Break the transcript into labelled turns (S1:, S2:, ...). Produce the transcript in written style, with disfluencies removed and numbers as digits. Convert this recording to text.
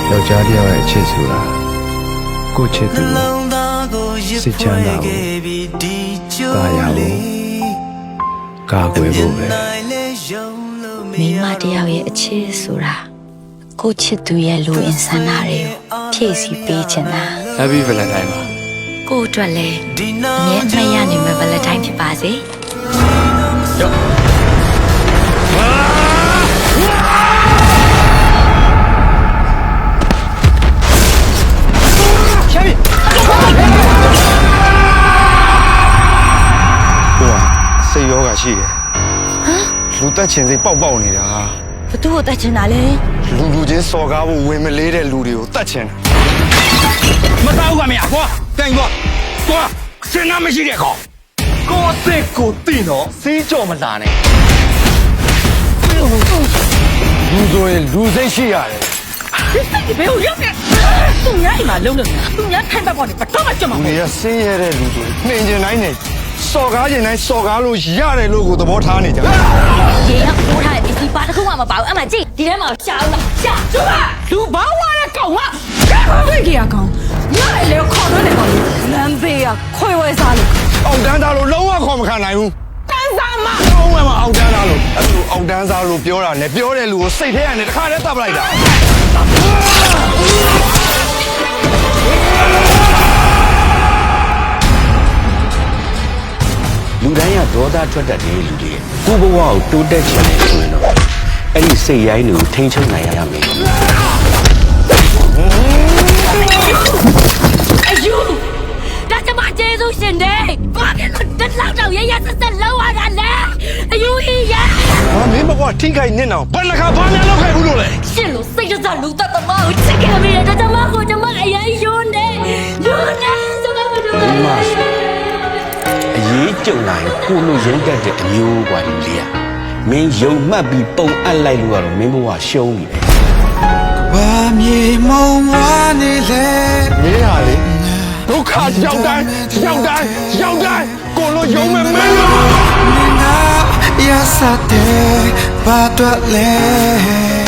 S1: ယောက်ျားတစ်ယောက်ရဲ့အချစ်ဆိုတာကိုချစ်သူစိတ်ချမ်းသာဖို့တာယာဖို့ကာကွယ်ဖို့ပဲ
S2: မိန်းမတစ်ယောက်ရဲ့အချစ်ဆိုတာကိုချစ်သူရဲ့လူအင်ဆန္ဒတွေကိုဖြည့်ဆည်းပေးချင်တာ
S1: Happy Valentine ပါ
S2: ကိုအတွက်လည်းအမြဲအမှတ်ရနိုင်မယ့် Valentine ဖြစ်ပါစေ
S1: စိတ်ယောဂရှိတယ်လူတက်ချင်စိတ်ပေါက်နေတာ
S2: ဘသူ့ကိုတတ်ချင်တာလဲ
S1: လူချင်းစော်ကားဖို့ဝင်မလေးတဲ့လူတွေကိုတတ်ချင်တယ်
S3: မသားဘူးကမရကွာတိုင်ကွာစဉ်းစားမရှိတဲ့ကောင်ကိုအစ်ကိုတိနော်စီးကြော်မလာနဲ့
S1: လူဆိုရင်လူစိတ်ရှိရတယ်
S4: ဒီစိတ်ဘယ်လိုရောက်နေသူများအိမ်မှာလုံးလို့သူများထိုင်ပတ်ပေါ်နေတော့မှကြမှာ
S1: လူတွေကဆင်းရဲတဲ့လူတွေနှင်ကျင်တိုင်းနဲ့စော်ကားကျင်တိုင်းစော်ကားလို့ရတယ်လို့ကိုသဘောထားနေကြတယ်
S2: ရေကပိုးထားတဲ့ပစ္စည်းပါတစ်ခုမှမပါဘူးအမှကြည့်ဒီထဲမှာရှာဦးလားရှာ
S4: ကျမလူဘာဝရတဲ့ကောင်ကဘယ်ကြီးရကောင်ညလေခေါ်တော့လေကောင်လမ်းဘေးကခွေဝဲစားလို့
S1: အောက်တန်းသားလို့လုံးဝခေါ်မခံနိုင်ဘူး
S4: တန်းစားမ
S1: လုံးဝမအောက်တန်းသားလို့အဲ့လိုအောက်တန်းသားလို့ပြောတာနဲ့ပြောတဲ့လူကိုစိတ်ထဲကနေတစ်ခါတည်းတပ်ပလိုက်တာ
S5: လူတိုင်းကဒေါသထွက်တတ်တဲ့လူတွေကိုဘဝကိုတိုးတက်ချင်တယ်ဆိုရင်တော့အဲ့ဒီစိတ်ရိုင်းတွေကိုထိန်းချုပ်နိုင်ရမယ်
S2: အယူဒါကျမကျေးဇူးရှင်တယ်ဘာဖြစ်လို့တက်လောက်တော့ရရဆက်ဆက်လောက်ရတာလဲအယူကြီးရ
S1: ဟာမင်းမကွာထိခိုက်နေတော့ဘယ်နှခါဘာများလောက်ခဲ့ဘူးလို့လဲ
S2: ရှင်လို့စိတ်ကြလူတတ်သမားကိုချစ်ခဲ့မိတယ်ဒါကျမကိုကျမအရင်ယွန်းတယ်ယွန်းတယ်ဆိုတော့မလို့
S5: အရေးကြုံလာရင်ကိုလိုရင်းတတ်တဲ့အမျိုးกว่าလူလေးอ่ะမင်းယုံမှတ်ပြီးပုံအပ်လိုက်လို့ကတော့မင်းဘဝရှုံးပြီပဲ
S1: ဝမ်းမြေမုံဝါနေလေမင်းဟာလေဒုက္ခရောက်တိုင်းကိုလိုယုံမဲ့မင်းလို့
S6: ရစတဲ့ဘာတော့လဲ